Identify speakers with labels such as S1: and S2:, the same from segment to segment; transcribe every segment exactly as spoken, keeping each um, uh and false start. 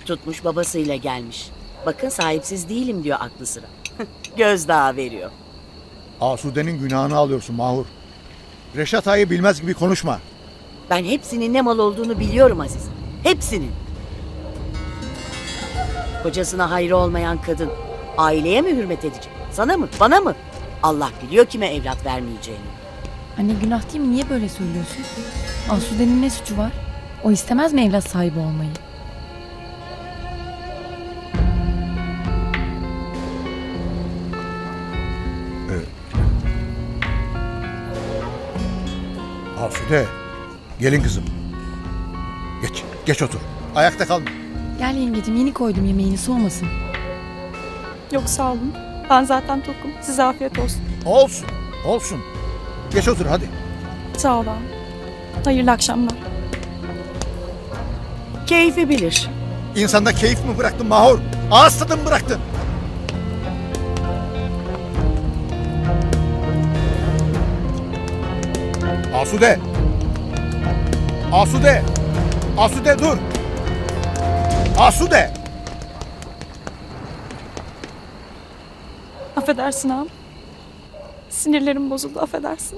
S1: Tutmuş babasıyla gelmiş. Bakın sahipsiz değilim diyor aklı sıra. Gözdağı veriyor.
S2: Asude'nin günahını alıyorsun Mahur. Reşat Ağa'yı bilmez gibi konuşma.
S1: Ben hepsinin ne mal olduğunu biliyorum Aziz. Hepsinin. Kocasına hayrı olmayan kadın aileye mi hürmet edecek? Sana mı? Bana mı? Allah biliyor kime evlat vermeyeceğini.
S3: Anne günah değil mi? Niye böyle söylüyorsun? Asude'nin ne suçu var? O istemez mi evlat sahibi olmayı?
S2: Asude, gelin kızım. Geç, geç otur. Ayakta kalma.
S3: Gel yengecim, yeni koydum yemeğini, soğumasın.
S4: Yok sağ olun. Ben zaten tokum. Size afiyet olsun.
S2: Olsun, olsun. Geç otur hadi.
S4: Sağ ol ağam. Hayırlı akşamlar.
S1: Keyfi bilir.
S2: İnsanda keyif mi bıraktın Mahur? Ağız tadı mı bıraktın? Asude! Asude! Asude dur! Asude!
S4: Affedersin ağam. Sinirlerim bozuldu, affedersin.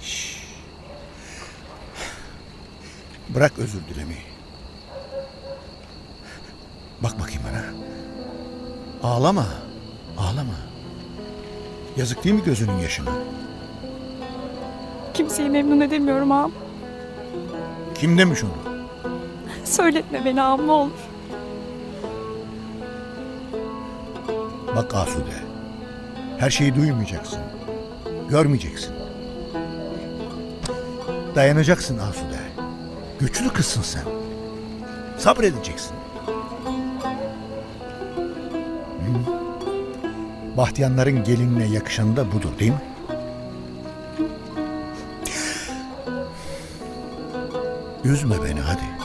S2: Bırak özür dilemeyi. Bak bakayım bana. Ağlama. Ağlama. Yazık değil mi gözünün yaşına?
S4: Kimseyi memnun edemiyorum ağam.
S2: Kim demiş onu?
S4: Söyletme beni ağam, ne olur.
S2: Bak Asude. Her şeyi duymayacaksın. Görmeyeceksin. Dayanacaksın Asude. Güçlü kızsın sen. Sabredeceksin. Hı? Bahtiyanların gelinine yakışanı da budur değil mi? Üzme beni hadi.